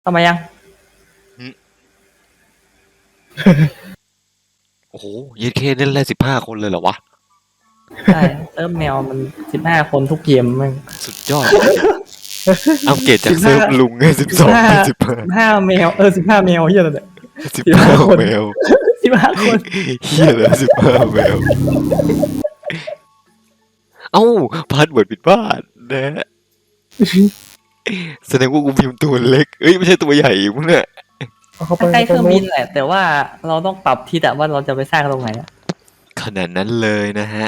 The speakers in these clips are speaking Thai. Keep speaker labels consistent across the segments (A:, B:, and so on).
A: ทำไมยัง
B: โอ้โหเยเคเล่นได้15 คนเลยเหรอวะ
A: ใช่เซิร์ฟแมวมัน15 คนทุกเกมมึง
B: สุดยอดอัปเกรดจากเซิร์ฟลุงให้12เป็น15
A: 15 แมว15 แมวเฮียอะไรเนี่ย
B: 15
A: คน
B: แมว
A: 15 คน
B: เฮียเลย15 แมวเอ้าพาสเวิร์ดผิดพลาดนะแสดงว่ากูพิมพ์ตัวเล็กเอ้ยไม่ใช่ตัวใหญ่มึงเนี่ย
A: ใกล้เครื่องบินแหละแต่ว่าเราต้องปรับทิศอะว่าเราจะไปสร้างตรงไหนอะ
B: ขนาดนั้นเลยนะฮะ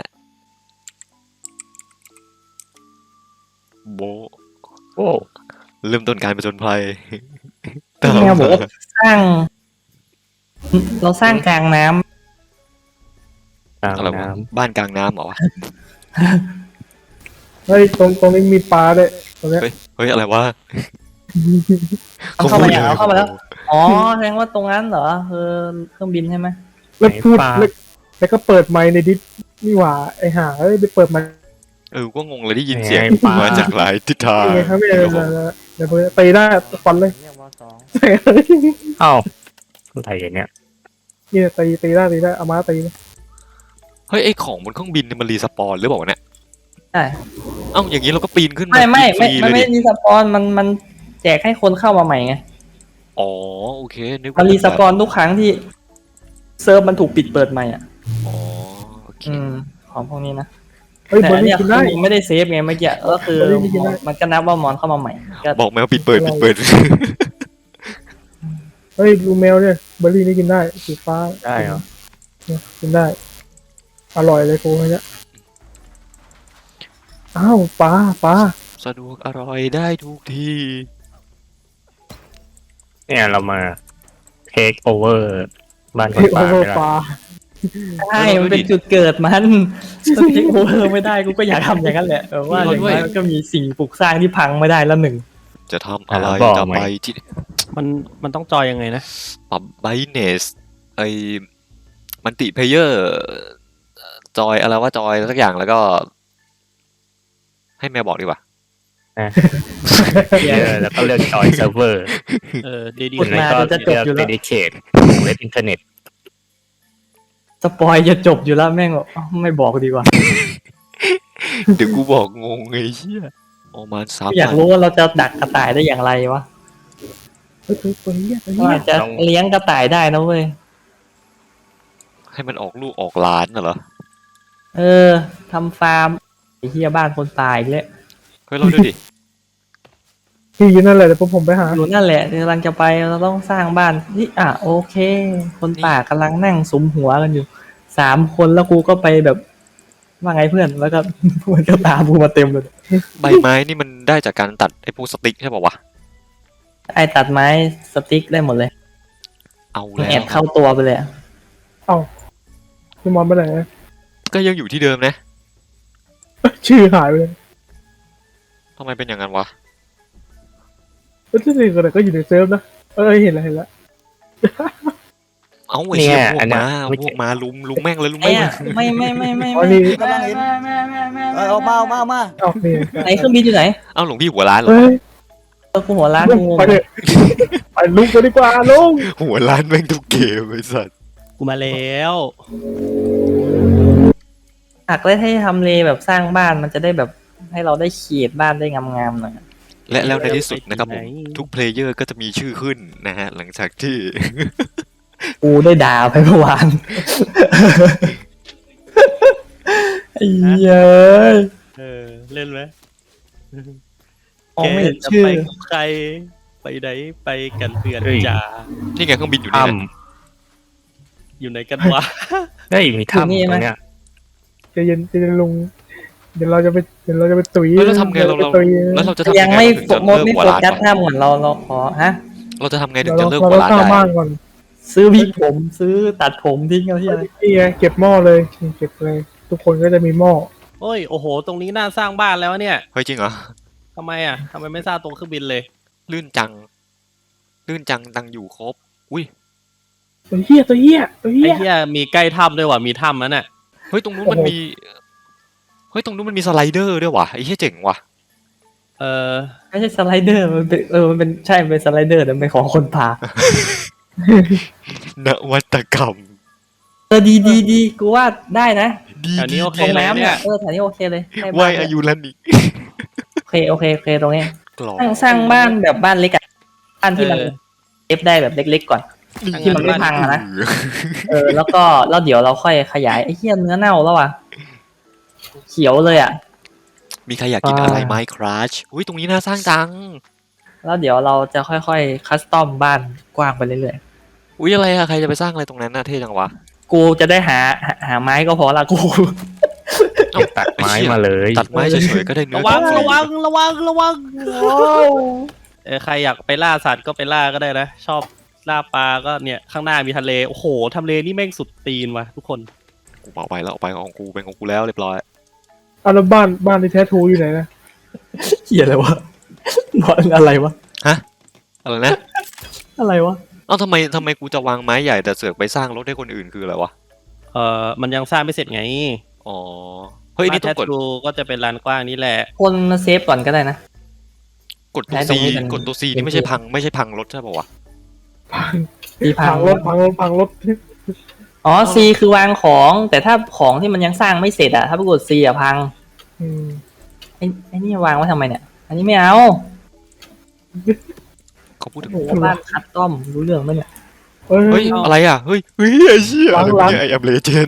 B: โบโอ้เริ่มต้นการผจญภัยตาม
A: แมวบอกว่าสร้าง เราสร้างกลางน้ำ
C: กลาง
B: อะไรวะ
C: น้
B: บ้านกลางน้ำเหรอวะ
D: เฮ้ยตรงนี้มีปลาด้วยตรงเนี้ย
B: เฮ้ยอะไรวะ
A: เอาเข้ามาอย่างเอาเข้ามาแล้วอ๋อแสดงว่าตรงนั้นเหรอคือเครื่องบินใช่ไหม
D: แล้วพูดแล้วก็เปิดไมค์ในดิสนี่หว่าไอ้ห่าเอ้ยไปเปิดไมค์
B: ก็งงเลยได้ยินเสียงมาจากหลายทิศทาง
D: ยังไงครับเนี่ยเดี๋ยวตีหน้าฟันเลย
A: เรียกว่า2
C: ำอ้าวอะไรอย่างเนี้ย
D: เนี่ยตีหน้าเอามาตีนะ
B: เฮ้ยไอของบนเครื่องบินเนี่ยมันรีสปอนหรือเปล่าวะเนี่ย
A: ใช่
B: เอ้าอย่างนี้เราก็ปีนขึ้น
A: ไม่
B: ฟรี
A: มัน
B: เลย
A: ไม่
B: ดิ
A: รีสปอนมันแจกให้คนเข้ามาใหม่ไง
B: อ๋อโอเคนึก
A: มั
B: ว่าน
A: รีสปอนทุกครั้งที่เซิร์ฟมันถูกปิดเปิดใหม่อ่ะ
B: อ๋อโอเค
A: ของพวกนี้นะ
D: เฮ้ย
A: แต่
D: บอ
A: อั
D: ล
A: น
D: ลี่
A: เนี้ย
D: กิน
A: คือ
D: ได้
A: มึงไม่ได้เซฟไงเมื่อกี้ก็คือ
D: เฮ้ยไม่กินได้
A: มันก็นับว่ามอนเข้ามาใหม่ก็
B: บอกแมวปิดเปิด
D: เฮ้ยลูแมวเนี่ยเบอร์รี่นี่กินได้สีฟ้า
C: ได้เหรอ
D: เนี่ยกินได้อร่อยเลยกูเนี่ยอ้าวปลา
B: สะดวกอร่อยได้ทุกที่
C: เนี่ยเรามาเทคโอเวอร์บ้านค
D: เฮ้
C: น
D: ยโอ
C: ป่า
D: เวอ
C: ไม่
D: ร์
C: ได้
D: ปลา
A: ใช่มันเป็นจุดเกิดมันถ้าทิ้งโอเวอร์ไม่ได้กูก็อยากทำอย่างนั้นแหละแต่ว่าอย่างน้อยมันก็มีสิ่งปลูกสร้างที่พังไม่ได้แล้วหนึ่ง
B: จะทำอะไรจะไปที่
E: มันต้องจอยยังไงนะ
B: ปรับไบเนสไอมันติเพเยอร์จอยอะไรว่าจอยสักอย่างแล้วก็ ให้แมวบอกดีกว่า
C: แล้วก็เลือกจอยเซิร์ฟเวอร์
E: ดี
A: กด
E: ๆ
A: มา
C: แล้วก็
A: จะจบ
C: เลือก
A: อยู่
C: เด
A: แล้ว
C: ดิเคทของเว็บอินเทอร์เน็ต
A: สปอยจะจบอยู่แล้วแม่งบอกไม่บอกดีกว่า
B: เดี๋ยวกูบอกงงไงเชี่ยออกมาซับ
A: อยากรู้ว่าเราจะดักกระต่ายได้อย่างไรวะ
D: เฮ้ยตัวเหี้ย
A: ว่าจะเลี้ยงกระต่ายได้นะเว้ย
B: ให้มันออกลูกออกหล้านน่ะเหรอ
A: ทำฟาร์มไอ้เฮียบ้านคนตายอีกแล้ว
B: เฮ้ยเราดูดิ
D: พี่อยู่นั่นแหละเดี๋ยวผมไปหา
A: อยู่นั่นแหละกำลังจะไปเราต้องสร้างบ้านนี่โอเค คนป่ากำลังนั่งสุมหัวกันอยู่3 คนแล้วกูก็ไปแบบว่าไงเพื่อนแล้วก็ เพื่อนก็ตามกูมาเต็มเลย
B: ใบไม้นี่มันได้จากการตัดไอ้พวกสติ๊กใช่ป่าวะ
A: ไอ้ตัดไม้สติ๊กได้หมดเลย
B: เอาแล้ว
A: แอดเข้าตัวไปเลยอะ
D: เอ้าพี่มอนไปไหน
B: ก็ยังอยู่ที่เดิมนะ
D: ชื่อหายไปเลย
B: ทำไมเป็นอย่างนั้นวะ
D: แล้วที่นี่ก็อยู่ในเซิร์ฟนะเห็นแล้ว
B: เอาไอ้เชี่ยพวกมาลุมแม่งเลยลุม
A: ไอ้
B: แม่ง
A: อะไม่ไม่ไม่ไม่
D: อ๋อ
A: ไม่
D: นี่
A: ไม่ไม่
F: เอามา
D: เอ้านี่
A: ไหนเครื่องบินอยู่ไหน
B: เอาหลวงพี่หัวร้านเหรอ
D: เฮ้ย
A: กูหัวล้านกูงง
D: ไปเลยไปลุกกันดีกว่าลุง
B: หัวร้านแม่งทุกเกมไอ้สัส
E: กูมาแล้ว
A: หักได้ให้ทำเลแบบสร้างบ้านมันจะได้แบบให้เราได้เขียดบ้านได้งามๆหน่อย
B: และแล้วในที่สุดนะครับผมทุกเพลเยอร์ก็จะมีชื่อขึ้นนะฮะหลังจากที่
A: กูได้ด่าไปเมื่อวาน ไอ้เหี้ย
E: เล่นไหม
A: มองไม่เห็น
E: จะ
A: ชื่อ
E: ไปกับใคร ไปไหนไปกันเพื่อนจ๋า
B: นี่ไงเครื่องบินอยู่นี่
C: ถ้
B: นะ
E: อยู่ไหนกันวะ
C: ำได้ยมีถ้ำตรงเนี้ย
D: ใจเย็นลุงเดี๋ยวเราจะไปตุ๋ย
B: แล้วเราทำไงเราแล้วเราจะทำ
A: ยังไม่
B: ถึงจะ
A: โมด
B: เลิก
A: ไม่
B: หัว
A: โฟ
B: ร้าน
A: กัส
B: วะ
A: หน้าเหมือนเราขอฮะ
B: เราจะทำไงถึง
D: เรา
B: จะเลิก
D: เรา
B: หัว
D: ต้อง
B: ร้าน
D: สร้าง
B: ได้
D: บ้านก่อน
A: ซื้อวิกผมซื้อตัดผมทิ้งเอาที่อะไร
D: นี่ไงเก็บหม้อเลยเก็บเลย ทุกคนก็จะมีหม้อ
E: โอ้ย โอ้โห ตรงนี้น่าสร้างบ้านแล้วเนี่ย
B: เฮ้ยจริงเหรอ
E: ทำไมไม่สร้างตรงเครื่องบินเลย
B: ลื่นจังตังอยู่ครบอุ้ย
D: ตัวเหี้ย
E: ไอ้เหี้ยมีใกล้ถ้ำด้วยว่ะ มีถ้ำนั่นน่ะ
B: เฮ้ยตรงนู้นมันมีสไลเดอร์ด้วยว่ะไอ้เหี้ยเจ๋งว่ะ
E: เออ
A: ไม่ใช่สไลเดอร์มันเป็นมันเป็นใช่มันเป็นสไลเดอร์แต่เป็นของคนป่า
B: นวัตกรรม
A: ดีกูว่าได้นะ
B: ดี
E: แถวนี้โอเค
A: ตรง
E: เลย
A: น้ำ
E: เนี่
A: เนี่ย ยแถวนี้โอเคเลยใกล้
B: วา
A: บ้าน
B: ย
A: เล
B: อายุรันนี่
A: โอเคตรงนี้
B: กรอบ
A: สร้างบ้านแบบบ้านเล็กอะบ้านที่มันเอฟได้แบบเล็กๆก่อน ที่มันไม่พังอะนะ แล้วเดี๋ยวเราค่อยขยายไอ้เหี้ยเนื้อเน่าแล้วอ่ะเขียวเลยอ่ะ
B: มีใครอยากกินอะไรไหมครัชอุ้ยตรงนี้น่าสร้างจัง
A: แล้วเดี๋ยวเราจะค่อยๆคัสตอมบ้านกว้างไปเรื่อย
B: อุ้ยอะไรอะใครจะไปสร้างอะไรตรงนั้นน่ะเท่จังวะ
A: ๆกูจะได้หาไม้ก็พอละกู
B: เอ้า
C: ตัดไม้มาเลย
B: ตัดไม้เฉยๆก็ได้เนื้อ
E: ระวัง
B: ฟรี
E: ระวังใครอยากไปล่าสัตว์ก็ไปล่าก็ได้นะชอบล่าปลาก็เนี่ยข้างหน้ามีทะเลโอ้โหทะเลนี่แม่งสุดตีนว่ะทุกคน
B: กูเอาไปแล้วเอาไปของกูเป็นของกูแล้วเรียบร้อย
D: เอาแล้วบ้านในแท้ทูอยู่ไหนนะ
A: เหี้ยอะไรวะนอนอะไรวะ
B: อะไรนะ
A: อะไรวะ
B: เอ้าทำไมกูจะวางไม้ใหญ่แต่เสือกไปสร้างรถให้คนอื่นคืออะไรวะ
E: มันยังสร้างไม่เสร็จไง
B: อ๋อเฮ้ยนี่ต้องกด
E: บ้าแททูก็จะเป็นลานกว้างนี่แหละ
A: คนเซฟก่อนก็ได้นะ
B: กดตัว
A: ใช้ตร
B: ซี
A: งนี้เป็น
B: กดตัวซีนี่ไม่ใช่พังรถใช่ป่าวะ
A: ตีพั
D: พั
A: ง
D: งรถพังรถ
A: อ๋อ C คือวางของ แต่ถ้าของที่มันยังสร้างไม่เสร็จอะถ้าไปกด C อะพัง
D: อืม
A: ไอ้นี่วางไว้ทำไมเนี่ย อันนี้ไม่เอา
B: เขาพูดถึง
A: โอ้โหบ้านคัสตอมรู้เรื่องไหมเนี่ย
D: เฮ้
B: เฮ้
D: ย
B: ยอะไรอ่ะเฮ้ยไอ้เชี่ยอะไรวะเนี่ยไอ้แอมเลเจน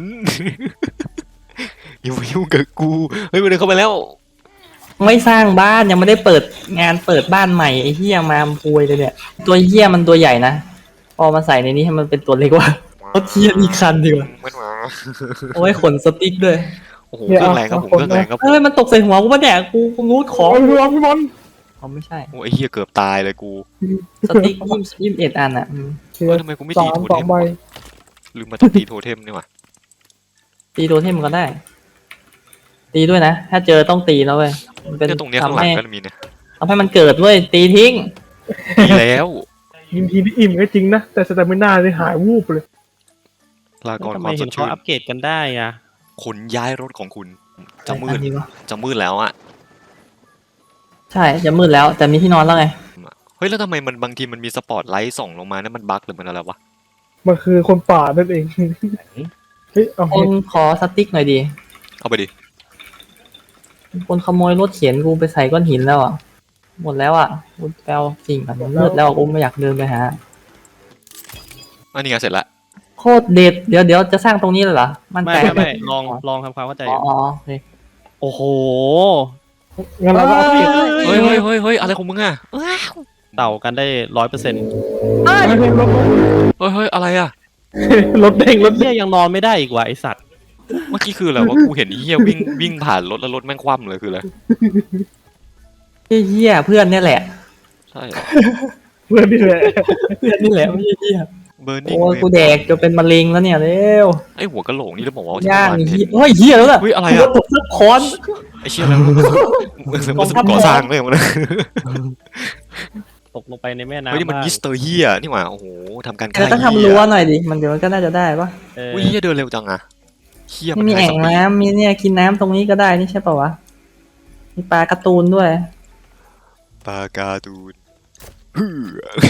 B: อย่ามายุ่งกับกูเฮ้ยมันเดินเข้าไปแล้ว
A: ไม่สร้างบ้านยังไม่ได้เปิดงานเปิดบ้านใหม่ไอ้เหี้ยมาพุยเลยเนี่ย ตัวเหี้ยมันตัวใหญ่นะพอมาใส่ในนี้ให้มันเป็นตัวเล็กว่าเอาเทียนอีกคันดีกว่า
B: มันมา
A: เอาไว้ขนสติ๊กด้วย
B: โอ้โหเครื่องแรงครับผมเครื่องแรงครับผม
A: เฮ้ยมันตกใส่หัวกูปะเนี่ยกูงูดของ
D: โอ้ยพี่บอล
A: เขาไม่ใช่
B: โอ้ไอ้เหี้ยเกือบตายเลยกู
A: สติ๊ก21อันอ่ะ
B: เฮ้ยทำไมกูไม่ตีโท
D: ส
B: เท
D: อง
B: ม
D: ใบ
B: วะลืมมาต้องตีโทเทมนี่หว่า
A: ตีโดเทมก็ได้ ตีด้วยนะ ถ้าเจอต้องตีแล้วเว้ยมันเป็น
B: เนี่ยตรงเนี้ยข้างหลังก็มีเนี่ย
A: ทำให้มันเกิดเว้ยตีทิ้ง
B: ดีแล้ว
D: ยิงทีที่อิ่มก็จริงนะ แต่สแตมิน่าเลยหายวูบเลย
B: ลาก่อน
E: ทำ
B: ค
E: ไม
B: วามส
E: เห็
B: ด
E: นเขา
B: ชื่น
E: อัปเกรดกันได้อะ
B: ขนย้ายรถของคุณจะมื
A: อั
B: ด
A: นนี้วะ
B: จะมืดแล้วอ่ะ
A: ใช่จะมืดแล้วแต่มีที่นอนแล้วไง
B: เฮ้ยแล้วทำไมมันบางทีมันมีสปอตไลท์ส่องลงมานั่นมันบั๊กหรือมันอะไรวะ
D: มันคือคนป่านั่นเอง เฮ้ย เอา
A: ค
D: เห็
A: น
D: ด
A: ขอสติ๊กหน่อยดี
B: เอาไปดิ
A: คนขโมยรถเข็นกูไปใส่ก้อนหินแล้วอ่ะหมดแล้วอ่ะกูแปลสิ่งมันมืดแล้วกูไม่อยากเดินไปหา
B: อันนี้ไงเสร็จละ
A: โคตรเด็ดเดี๋ยวจะสร้างตรงนี้เลยเหรอมั่น
E: ไม่
A: ใจ
E: ไม่ลองทำความเข้าใจ
A: อ๋อโอเค
E: โอ้โห
D: งั้นเราก็เอาเก็บ
B: เฮ้ยอะไรของมึงอ่ะ
E: เต่ากันได้100%
D: รถ
B: เฮ้ยอะไรอ่ะ
D: รถเด้งรถ
E: เฮียยังนอนไม่ได้อีกว่ะไอสัตว์
B: เมื่อกี้คืออะไรวะกูเห็นไอ้เหี้ยวิ่งผ่านรถแล้วรถแม่งคว่ำเลยคืออะไร
A: เฮียเพื่อนเนี่ยแหละ
B: ใช่เหรอ
D: เพื่อนนี่แหละ
A: เพื่อนนี่แหละไม่ใช่เฮีย
B: เบอร์นิ่ง
A: โอ้ยกูแดกจะเป็นมะเร็งแล้วเนี่ยเร็ว
B: ไอหัวกะโหลกนี่เราบอกว่า
A: ย่าง
B: ที่
A: เฮีย
B: เมื่อวาน
A: เฮ้ยเฮียแล้วล่ะ
B: เฮ้ยอะไร
A: ร
B: อ่ะ
A: ถตกค้อน
B: ไอเชี่ยอะไรมันก่อสร้างเลยมัน
E: ตกลงไปในแม่น้ำ
B: เฮ้ยนี่มัน
E: บ้าง
B: มิสเตอร์เฮียนี่หว่าโอ้โหทำการ
A: แต่ต้องทำรั้วหน่อยดิมันเดี๋ยวมันก็น่าจะได้ปะ
E: เออ
B: อุ้ยเฮียเดินเร็วจังอ่ะเฮีย
A: ไม่มี
B: ไฮ
A: แอ่
B: ส
A: ง
B: ปีด
A: น้ำมีเนี่ยกินน้ำตรงนี้ก็ได้นี่ใช่ป่าวะมีปลาการ์ตูนด้วย
B: ปาการ์ตูนฮือ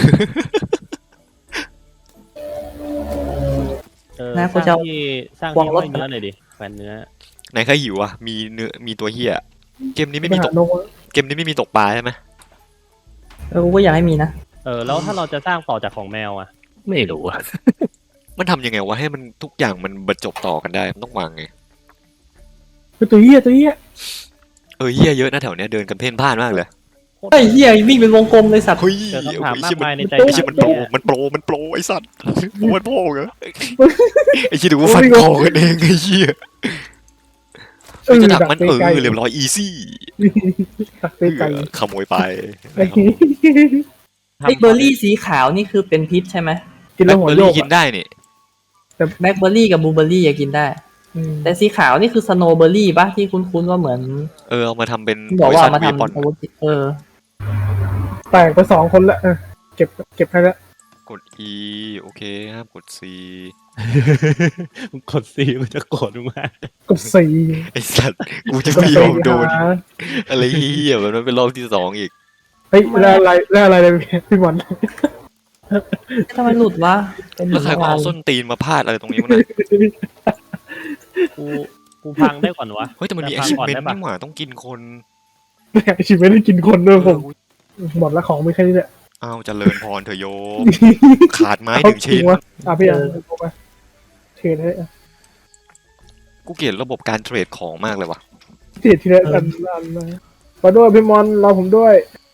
A: นะ
E: ส
A: กูจะ
E: ร้าง
A: เอา
E: ที่สร้าง
A: วาง
E: ที่
A: รถ
E: ห้อยเนื้อหน่อยดิแขวนเนื้อ
B: ไหนใครหิวอ่ะมีเนื้อมีตัวเฮียเกมนี้ไม่
D: ไป
B: มีต
D: หาก นก
B: เกมนี้ไม่มีตกปลาใช่ไหม
A: กูก็อยากให้มีนะ
E: แล้วถ้าเราจะสร้างต่อจากของแมวอ่ะ
C: ไม่รู้อะ
B: มันทำยังไงวะให้มันทุกอย่างมันบรรจบต่อกันได้มันต้องวางไง
D: ตัวเหี้ยตัวเหี้ย
B: เฮียเยอะนะแถวเนี้ยเดินกันเพ่นพ่านมากเลย
A: เฮ้ยเฮียวิ่งเป็นวงกลมเลยสัตว์
B: เฮ้ย
E: เจอคำถาม
B: ไอ้
E: มาก
B: เชี่ยมัน
E: มายในใจ
B: ไอ้เชี่ยมันโปรไอ้สัตว์โอ้มันโปรเหรอไอ้เชี่ยดูว่าฟันคอกันเองไอ้เชี่ยจะดักมันเรียบร้อยอีซี่
D: ดักเตะไก่
B: ขโมยไป
A: ไอ้เบอร์รี่สีขาวนี่คือเป็นพิษใช่ไหม
D: กิน
B: แบ
D: แล้ว
B: ล็ค
D: หัว
B: เบอร์
D: โย
B: รี่
D: ก
B: กินได้นี่
A: แบล็คเบอร์รี่กับบลูเบอร์รี่อะกินได้ แต่สีขาวนี่คือสโนว์เบอร์รี่ปะที่คุ้นๆว่าเหมือน
B: เอามาทำเป็น
A: ที่บอกว่าเอามา
B: เว
A: ทำ
B: ปอน
A: อาวุธ
D: แตกไป2 คนละเก็บให้แล้ว
B: กด E โอเคห้ามกด C
E: มึงกดซีมันจะโกรธมึงมาก
D: กดสี่
B: ไอสัตว์กูจะ
D: กด
B: ไม่ย
D: สี่
B: อมโดน
D: หา
B: อะไรเหี้ยมันเป็นรอบที่สองอีก
D: เฮ้ยแล้วอะไรเลยพี่บอล
A: ทำไมหลุดวะเป็น
B: แล้วใครก็
A: วา
B: เอา
A: น
B: ส้นตีนมาพาดอะไรตรงนี้วะเนี่ย
E: กูพังได้ก่อนวะ
B: เฮ้ยแต่มันมี
E: จะพังก่อน
B: achievement
E: ได้ปะ
B: นี่หว่าต้องกินคน
D: เนี่ยชีวิตไม่ได้กินคนด้วยผม
B: เออ
D: หมดแล้วของไม่แค่นี้แหละ
B: เอาเจริญพรเถอะโยม ขาดไม้หนึ่งชิ้น
D: เอาจริวะอ่ะพี่อ่ะเอาไปเทรดให้อ่ะ
B: กูเกลียดระบบการเทรดของมากเลยว่ะ
D: เทรดทีละอันนะมาด้วยพี่มอนรอผมด้วย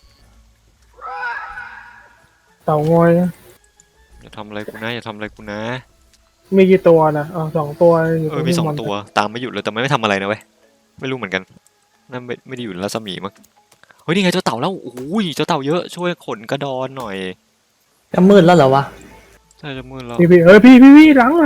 D: เต่างอยนะ
B: อย่าทำอะไรกูนะอย่าทำอะไรกูนะ
D: มีกี่ตัวนะอ๋อสองตัวอยู่ตรง
B: มี
D: พี่
B: สอง
D: มอน
B: ตัวตามไม่หยุดเลยแต่ไม่ทำอะไรนะเว้ยไม่รู้เหมือนกันนั่นไม่ได้อยู่ในรัศมีมั้งเฮ้ยนี่ไงเจ้าเต่าแล้วโอ้ยเจ้าเต่าเยอะช่วยขนกระดอนหน่อย
A: จะมืดแล้วเหรอวะ
B: ใช่จะมืดแล้ว
D: พี่เฮ้ยพี่หลัง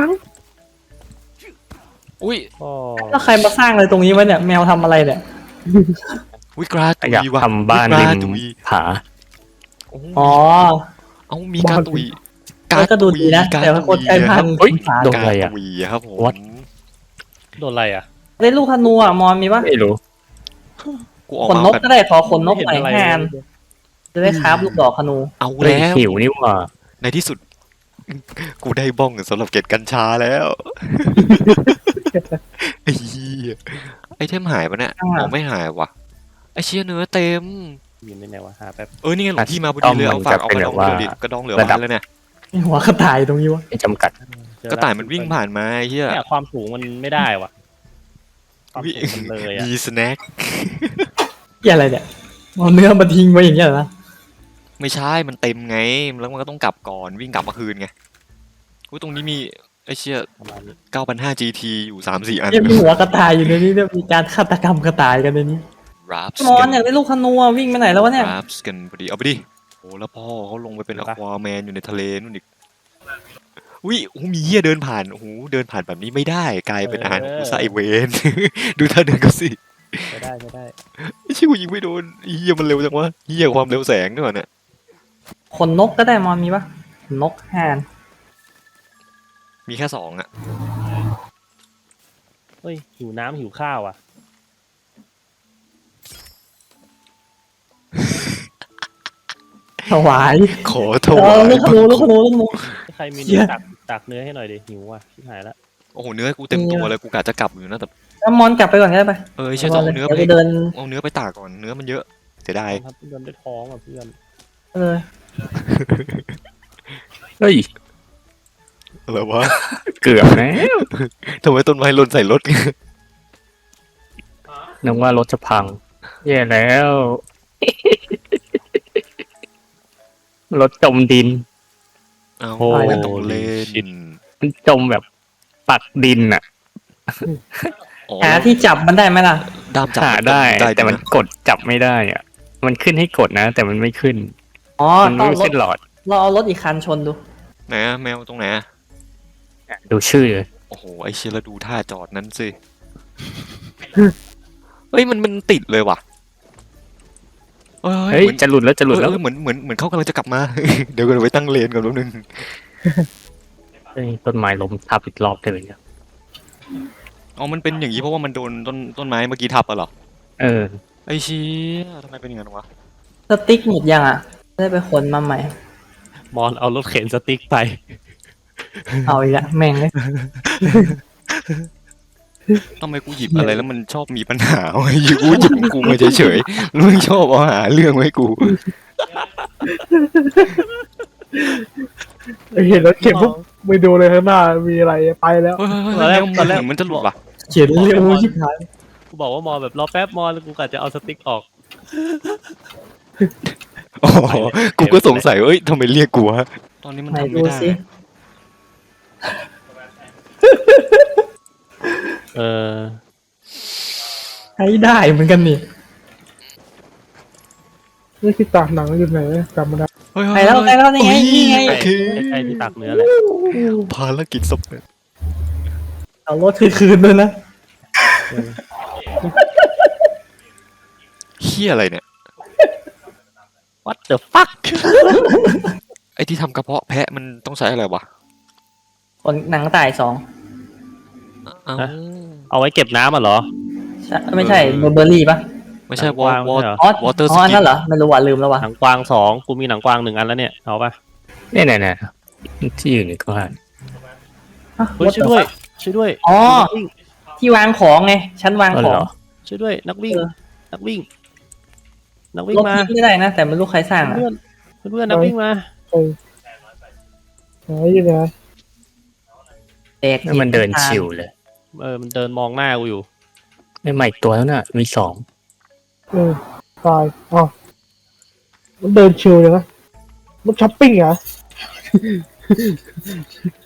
B: อุ้ย
E: อ๋อ
A: แล้วใครมาสร้างอะไรตรงนี้วะเนี่ยแมวทำอะไรเนี่ย
B: อุ้ยกราตุ
C: อยาก
B: ยว่ะ
C: ทำบ้าน
B: ก
C: ริ
B: ราม ตุย
C: ผา
B: โอ้
A: อ๋อ
B: เอามีกาตุย
A: ก็ดูดีนะแต่ว่าคนใช้พัน
C: เฮ้ย
A: ฝา
C: โดนอะไรอ่ะ
B: กาตุยครับผม
C: What?
E: โดนอะไรอ่ะ
A: ได้ลูกธนูอ่ะมอนมีปะ
C: ไม่รู้
B: กูออก
A: ขน
B: มาน
A: ก
B: แบบ
A: ก็ได้ขอขนนก
E: ไม่
A: หน่อย
E: เห็นอะไร
A: แทนจะได้คราฟลูกดอกธนู
B: เอา
C: เฮ้ย
B: แล้ว
C: หิวนี่หว่า
B: ในที่สุด กูได้บ้องสำหรับเก็บกัญชาแล้วไอ้เหี้ยไอเทมหายปะเนี่ยอ๋อไม่หายว่ะไอเชี่ยเนื้อเต็ม
E: ยินได้ไงวะหาแป๊บ
B: นี่ไงหลวงพี่มาพอดีเลยเอาฝากเอากระดองเรือดิกระดองเหลือบ้านแล้วเนี่ย
A: มีหัวกระต่ายตรงนี้วะ
C: ไม่จำกัด
E: เจอ
B: กระต่ายมันวิ่งผ่านมาไอ้เหี้ย
E: เนี่ยความสูงมันไม่ได้ว่ะความสูงมันเลยอ่ะ
B: มีสแน็ค
A: เกี่ยอะไรเนี่ยเอาเนื้อมาทิ้งไว้อย่างเงี้ยเหรอ
B: ไม่ใช่มันเต็มไงแล้วมันก็ต้องกลับก่อนวิ่งกลับมาคืนไงอุ้ยตรงนี้มีไอเชี่ย
E: ประมาณนี้
B: 9,500 GT อยู่ 3-4 อัน
A: ยังมีหัวกระต่ายอยู่ในนี้เนี่ยมีการฆาตกรรมกระต่ายกันในนี้
B: Raps
A: มอนอยากได้ลูกธนูอ่ะวิ่งไปไหนแล้ววะเนี่ย
B: Raps กันพอดีเอาไปดิโอ้แล้วพ่อเขาลงไปเป็นอควาแมนอยู่ในทะเลนู่นอีกอุ้ยโอ้มีเหี้ยเดินผ่านโอ้โหเดินผ่านแบบนี้ไม่ได้กลายเป็นอาหารของกูซะไอเวน ดูท่าเดินก็สิ
E: ใช้ได้ใช้ได้
B: ไอ้ชิวยิงไม่โดนไอ้เหี้ยมันเร็วจังวะเหี้ยความเร็วแสงด้วยเนี่ย
A: ขนนกก็ได้มอนมีปะขนนกแฮน
B: มีแค่2อ่ะ
E: เฮ้ยหิวน้ำหิวข้าวอ่ะ
A: ถวาย
B: ขอโทษ
A: ลูกธนูลูกธนูลูกธนู
E: ใครมี
A: เหี้
E: เนื้อย ตักเนื้อให้หน่อยดิหิวว่ะชิบหายละ
B: โอ้โหเนื้อกูเต็มตัวเลยกูกะจะกลับอยู่นะแต่
A: แล้วมอนกลับไปก่อนก็ได้ไป
B: ไอ้เชี่ยจะเอาเนื้อ
A: ดี๋ยว
B: ไป
A: ไปเดิน
B: เอาเนื้อไปตากก่อนเนื้อมันเยอะเสียดาย
E: ครับเพื่อนได้ท้องอ่ะเพื่อน
A: เออ
C: เฮ้ย
B: อะไรวะ
C: เกือบแล้ว
B: ทำไมต้นไม้หล่นใส่รถ
C: นึกว่ารถจะพัง แย่แล้ว รถจมดิน
B: เอา
C: โอ้
B: ไม่ต้องเล่น
C: มันจมแบบปักดินอ่ะ
B: อ๋อ
A: หาที่จับมันได้ไหมล่ะ
B: ด้ามจับ
C: หาได้ แต่มัน
B: นะ
C: กดจับไม่ได้อ่ะ มันขึ้นให้กดนะ แต่มันไม่ขึ้น
A: อ๋อ
C: มัน
A: ต้อง
C: ไม่
A: รถ
C: ขึ้นหลอด
A: เราเอารถอีกคันชนดู
B: ไหนอะแมวตรงไหนอะ
C: ดูชื่อเลย
B: โอ้โหไอเชียแล้วดูท่าจอดนั้นสิเฮ้ยมันติดเลยว่ะ
C: เฮ้ย จะหลุดแล้วจะหลุดแล้ว
B: เหมือนเขากำลังจะกลับมา เดี๋ยวกันไว้ตั้งเลนก่อนแป๊บนึง
C: เฮ้ยต้นไม้ล้มทับอีกรอบเลยเนี่ย
B: อ๋อมันเป็นอย่างนี้เพราะว่ามันโดนต้นไม้เมื่อกี้ทับอะเหรอ
C: เออ
B: ไอเชียทำไมเป็นอย่างนั้นวะ
A: สติ๊กหมดยังอ่ะได้ไปขนมาใหม่
E: มอนเอารถเข็นสติ๊กไป
A: เอาอีกละแม่งเลย
B: ทำไมกูหยิบอะไรแล้วมันชอบมีปัญหาวะกูหยิบของกูมาเฉยๆแล้วมึงชอบเอาหาเรื่องไว้ให้กู
D: เห็นแล้วเข็มปุ๊บไม่ดูเลยข้างหน้ามีอะไรไปแล้ว
B: เฮ้ย
E: ตอนแรก
B: เหมือนมันจะหลุดว่ะ
A: เขียนเร็วชิบหาย
E: กูบอกว่ามอนแบบรอแป๊บมอนแล้วกูกะจะเอาสติ๊กออก
B: อ๋อกูก็สงสัยว่าเอ้ยทำไมเรียกกูวะตอนนี้มัน
A: ไหน
B: ทำไม่
A: ดู
B: ได้
A: สิ
E: เออ
A: ใช้ได้เหมือนกันนี่
D: นี่ที่ตากหนังอยู่ไหนจำไม่ได้
B: เฮ้ย
A: ไปแล้วไปแล้วนี่ไงนี่ไง
B: โอเค
E: ใกล้ๆที่ตักเนื้อแหละ
B: ภารกิจสำเร็จ
A: เอารถคืนด้วยนะ
B: เฮียอะไรเนี่ย
E: What the fuck
B: ไอ้ที่ทำกระเพาะแพะมันต้องใช้อะไรวะ
A: คนหนังตาย2
B: เอ้า
E: เอาไว้เก็บน้ำอ่ะเหรอ
A: ไม่ใช่เบอร์รี่ปะ
B: ไม่ใช่
E: หนังกวางไม่ใช่เหรอ
A: อ๋อ
B: water
A: อ๋อ
B: skin
A: นั่นเหรอไม่รู้ว่ะลืมแล้วว่ะ
E: หนังกวาง2กูมีหนังกวาง1 อันแล้วเนี่ยเอาปะ
C: เนี่ยที่อยู่ในกว้าน
E: เฮ้ยช่วยด้วยช่วยด้วย
A: อ๋อ
E: นักวิ่ง
A: ที่วางของไงชั้นวาง
C: อ๋อ
A: ขอ
C: เห
A: ง
C: รอ
E: ช่วยด้วยนักวิ่ง
A: เออ
E: นักวิ่ง นักวิ่ง
A: ลบ
E: มา
A: ทิ้งไม่ได้นะแต่ไม่รู้ใครสร้างอะ
E: เพื่อนเพื่อนนักวิ่งมา
D: หายอยู่นะ
A: แตก
C: แล้วมันเดินชิวเลย
E: มันเดินมองหน้ากูอยู่
C: ไม่ใหม่ตัวแล้วน่ะมี2
D: ตายอ้าวมันเดินชิวเลยนะมันช้อปปิ้งเหรอ